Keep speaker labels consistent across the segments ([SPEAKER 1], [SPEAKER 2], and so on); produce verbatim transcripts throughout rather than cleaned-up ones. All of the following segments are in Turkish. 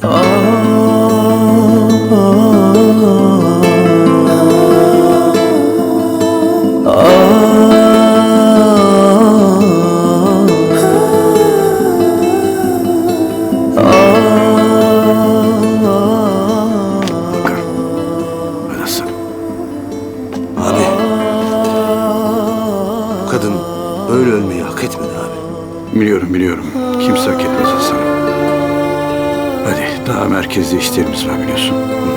[SPEAKER 1] Kadın böyle ölmeyi hak etmedi abi.
[SPEAKER 2] Biliyorum biliyorum. Kimse hak etmez Hasan. Hadi daha merkezde işlerimiz var biliyorsun.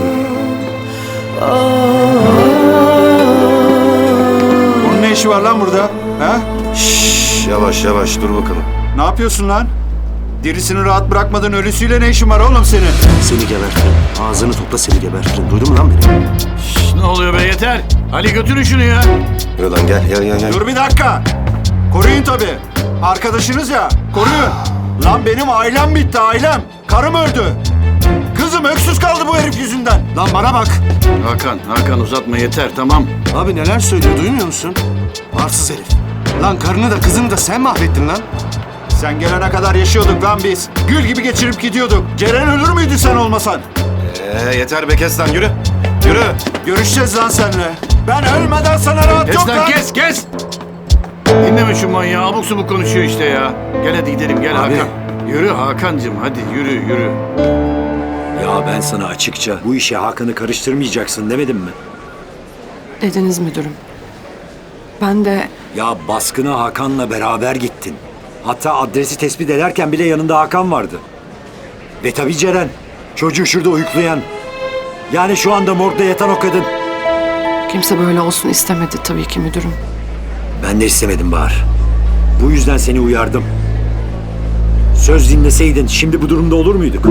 [SPEAKER 3] Onun ne işi var lan burada? Ha?
[SPEAKER 1] Şşş, yavaş yavaş dur bakalım.
[SPEAKER 3] Ne yapıyorsun lan? Dirisini rahat bırakmadın, ölüsüyle ne işin var oğlum senin?
[SPEAKER 1] Seni gebertirim. Ağzını topla, seni gebertirim. Duydun mu lan beni?
[SPEAKER 2] Şşş, ne oluyor be yeter. Ali götürün şunu ya.
[SPEAKER 1] Yürü lan gel gel gel. gel.
[SPEAKER 3] Dur bir dakika. Koruyun tabii. Arkadaşınız ya, koruyun. Lan benim ailem bitti, ailem. Karım öldü. Kızım öksüz kaldı bu herif yüzünden. Lan bana bak.
[SPEAKER 2] Hakan, Hakan uzatma yeter tamam.
[SPEAKER 1] Abi neler söylüyor duymuyor musun? Arsız herif. Lan karını da kızını da sen mahvettin lan.
[SPEAKER 3] Sen gelene kadar yaşıyorduk lan biz. Gül gibi geçirip gidiyorduk. Ceren ölür müydü sen olmasan?
[SPEAKER 1] Ee, yeter be kes lan yürü. Yürü.
[SPEAKER 3] Görüşeceğiz lan seninle. Ben ölmeden sana rahat
[SPEAKER 2] Kes
[SPEAKER 3] yok
[SPEAKER 2] lan
[SPEAKER 3] lan.
[SPEAKER 2] kes kes. Dinleme şu manyağı abuk subuk konuşuyor işte ya. Gel hadi gidelim gel
[SPEAKER 1] Abi.
[SPEAKER 2] Hakan. Yürü Hakan'cığım hadi yürü yürü.
[SPEAKER 4] Ya ben sana açıkça bu işe Hakan'ı karıştırmayacaksın demedim mi?
[SPEAKER 5] Dediniz müdürüm. Ben de
[SPEAKER 4] Ya baskına Hakan'la beraber gittin. Hatta adresi tespit ederken bile yanında Hakan vardı. Ve tabii Ceren. Çocuğu şurada uyuklayan. Yani şu anda morgda yatan o kadın.
[SPEAKER 5] kimse böyle olsun istemedi tabii ki müdürüm.
[SPEAKER 4] Ben de istemedim Bahar. Bu yüzden seni uyardım. Söz dinleseydin şimdi bu durumda olur muyduk?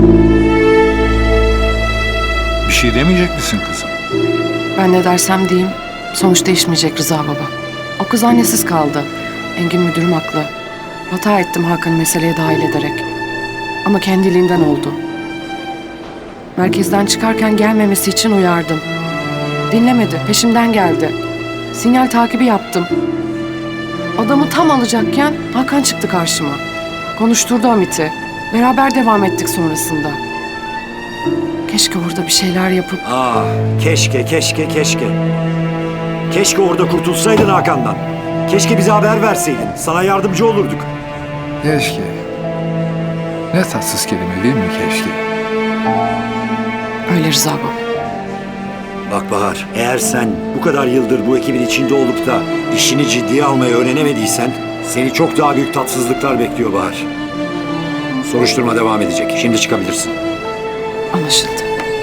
[SPEAKER 6] Bir şey demeyecek misin kızım?
[SPEAKER 5] Ben ne dersem diyeyim sonuç değişmeyecek Rıza baba. O kız annesiz kaldı. Engin müdürüm haklı. Hata ettim Hakan'ı meseleye dahil ederek. Ama kendiliğinden oldu. Merkezden çıkarken gelmemesi için uyardım. Dinlemedi, peşimden geldi. Sinyal takibi yaptım. Adamı tam alacakken Hakan çıktı karşıma. Konuşturdu Hamit'i. Beraber devam ettik sonrasında. Keşke orada bir şeyler yapıp...
[SPEAKER 4] Ah keşke keşke keşke. Keşke orada kurtulsaydın Hakan'dan. Keşke bize haber verseydin. Sana yardımcı olurduk.
[SPEAKER 6] Keşke. Ne tatsız kelime değil mi keşke?
[SPEAKER 5] Öyle Rıza baba.
[SPEAKER 4] Bak Bahar, eğer sen bu kadar yıldır bu ekibin içinde olup da işini ciddiye almayı öğrenemediysen seni çok daha büyük tatsızlıklar bekliyor Bahar. Soruşturma devam edecek. Şimdi çıkabilirsin.
[SPEAKER 5] Anlaşıldı.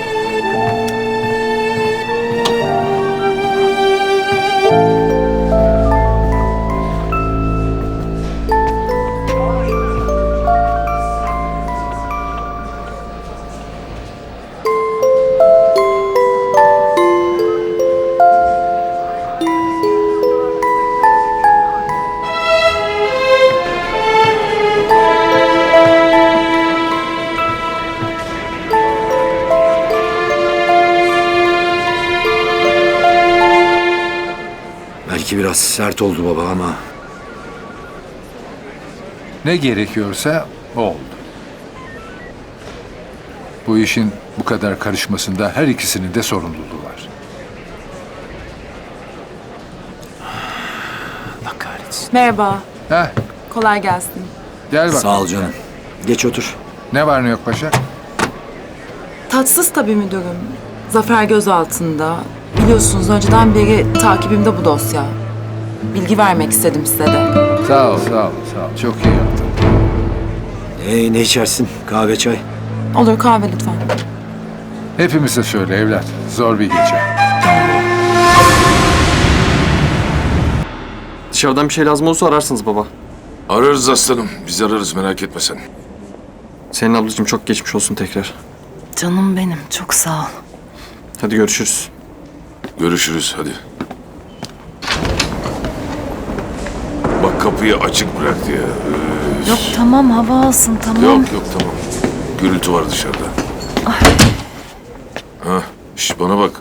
[SPEAKER 4] Belki biraz sert oldu baba ama
[SPEAKER 6] Ne gerekiyorsa o oldu. Bu işin bu kadar karışmasında her ikisinin de sorumluluğu var.
[SPEAKER 1] Allah kahretsin.
[SPEAKER 7] Merhaba,
[SPEAKER 6] Heh,
[SPEAKER 7] kolay gelsin.
[SPEAKER 6] gel bak.
[SPEAKER 4] sağ ol canım. Geç otur.
[SPEAKER 6] Ne var ne yok paşa?
[SPEAKER 7] Tatsız tabii müdürüm. Zafer gözaltında. Biliyorsunuz önceden beri takibimde bu dosya. Bilgi vermek istedim size de.
[SPEAKER 6] Sağ ol, sağ ol, sağ ol. Çok iyi yaptın.
[SPEAKER 4] Ee, ne içersin? Kahve, çay?
[SPEAKER 7] Olur kahve lütfen.
[SPEAKER 6] Hepimize söyle evlat. Zor bir gece.
[SPEAKER 8] Dışarıdan bir şey lazım olursa ararsınız baba.
[SPEAKER 9] Ararız aslanım. Biz ararız merak etme sen.
[SPEAKER 8] Senin ablacığım çok geçmiş olsun tekrar.
[SPEAKER 5] Canım benim, çok sağ ol.
[SPEAKER 8] Hadi görüşürüz.
[SPEAKER 9] Görüşürüz hadi. Bak kapıyı açık bıraktı ya. Üf.
[SPEAKER 5] Yok tamam, hava alsın tamam.
[SPEAKER 9] Yok yok tamam. Gürültü var dışarıda. Ha, şş bana bak.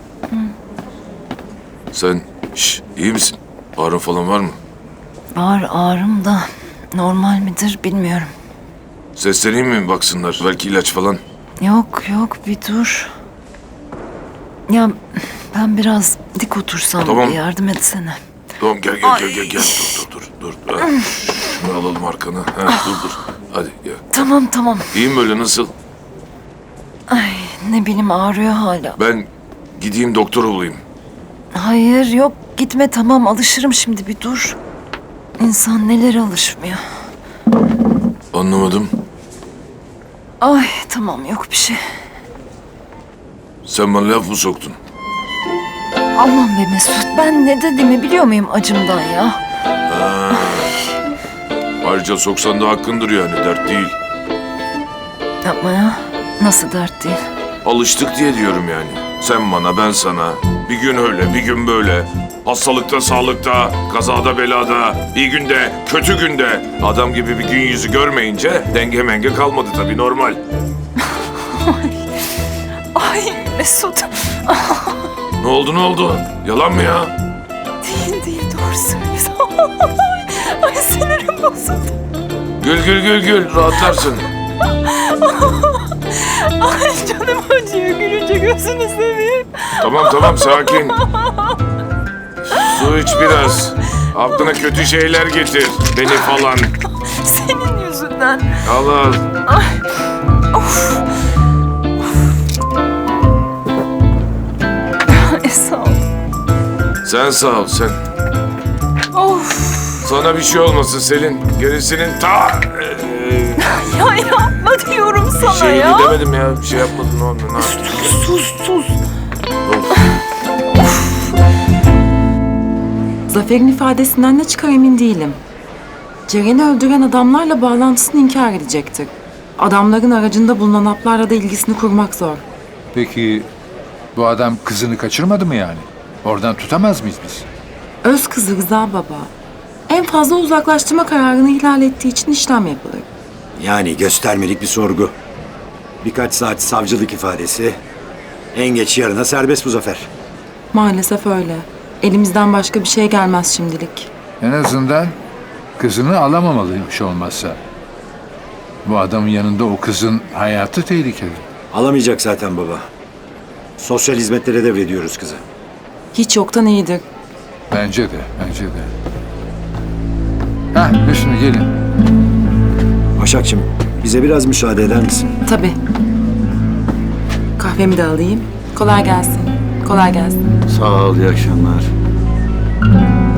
[SPEAKER 9] Sen şş, iyi misin? Ağrın falan var mı?
[SPEAKER 5] Var ağrım da normal midir bilmiyorum.
[SPEAKER 9] Sesleneyim mi baksınlar? Belki ilaç falan.
[SPEAKER 10] Yok yok bir dur. Ya ben biraz dik otursam
[SPEAKER 9] Tamam.
[SPEAKER 10] yardım etsene.
[SPEAKER 9] Tamam gel gel gel gel gel. Dur dur dur dur. Ha, şunu alalım arkana. Ha, dur dur. Hadi gel.
[SPEAKER 10] Tamam tamam.
[SPEAKER 9] İyi mi böyle nasıl?
[SPEAKER 10] Ay ne bileyim ağrıyor hala.
[SPEAKER 9] Ben gideyim doktor olayım.
[SPEAKER 10] Hayır yok gitme tamam alışırım şimdi bir dur. İnsan nelere alışmıyor.
[SPEAKER 9] Anlamadım.
[SPEAKER 10] Ay tamam yok bir şey.
[SPEAKER 9] Sen bana laf mı soktun?
[SPEAKER 10] Aman be Mesut ben ne dediğimi biliyor muyum acımdan ya?
[SPEAKER 9] Ayrıca soksan da hakkındır yani dert değil.
[SPEAKER 10] Yapma ya. Nasıl dert değil?
[SPEAKER 9] Alıştık diye diyorum yani. Sen bana ben sana. Bir gün öyle bir gün böyle. Hastalıkta sağlıkta, kazada belada, iyi günde, kötü günde. Adam gibi bir gün yüzü görmeyince denge menge kalmadı tabii normal.
[SPEAKER 10] Ay Mesut.
[SPEAKER 9] Ne oldu ne oldu? Yalan mı ya?
[SPEAKER 10] Değil değil doğru söylüyorsun. Ay sinirim bozuldu.
[SPEAKER 9] Gül gül gül gül rahatlarsın.
[SPEAKER 10] Ay canım acıyor gülünce gözünü seveyim.
[SPEAKER 9] Tamam tamam sakin. Su iç biraz. Aklına kötü şeyler getir. Beni falan.
[SPEAKER 10] Senin yüzünden.
[SPEAKER 9] Al al.
[SPEAKER 10] Ay sağ ol.
[SPEAKER 9] Sen sağ ol sen.
[SPEAKER 10] Of.
[SPEAKER 9] Sana bir şey olmasın Selin. Gerisinin ta... Ee,
[SPEAKER 10] Ya yapma diyorum sana
[SPEAKER 9] bir şey
[SPEAKER 10] ya.
[SPEAKER 9] demedim ya. Bir şey yapmadın o anda. Ne yaptın?
[SPEAKER 10] Sus sus.
[SPEAKER 7] Zafer'in ifadesinden ne çıkar emin değilim. Ceren'i öldüren adamlarla bağlantısını inkar edecektir. Adamların aracında bulunan haplarla da ilgisini kurmak zor.
[SPEAKER 6] Peki bu adam kızını kaçırmadı mı yani? Oradan tutamaz mıyız biz?
[SPEAKER 7] Öz kızı Rıza Baba. En fazla uzaklaştırma kararını ihlal ettiği için işlem yapılır.
[SPEAKER 4] Yani göstermelik bir sorgu. Birkaç saat savcılık ifadesi. En geç yarına serbest bu Zafer.
[SPEAKER 7] Maalesef öyle. Elimizden başka bir şey gelmez şimdilik.
[SPEAKER 6] En azından kızını alamamalıymış olmazsa. Bu adamın yanında o kızın hayatı tehlikeli.
[SPEAKER 4] Alamayacak zaten baba. Sosyal hizmetlere devrediyoruz kızı.
[SPEAKER 7] Hiç yoktan iyidir.
[SPEAKER 6] Bence de, bence de. Hah, Hüsnü gelin.
[SPEAKER 4] Başakçım, bize biraz müsaade eder misin?
[SPEAKER 7] Tabii. Kahvemi de alayım. Kolay gelsin. Kolay gelsin.
[SPEAKER 2] Sağ ol, iyi akşamlar.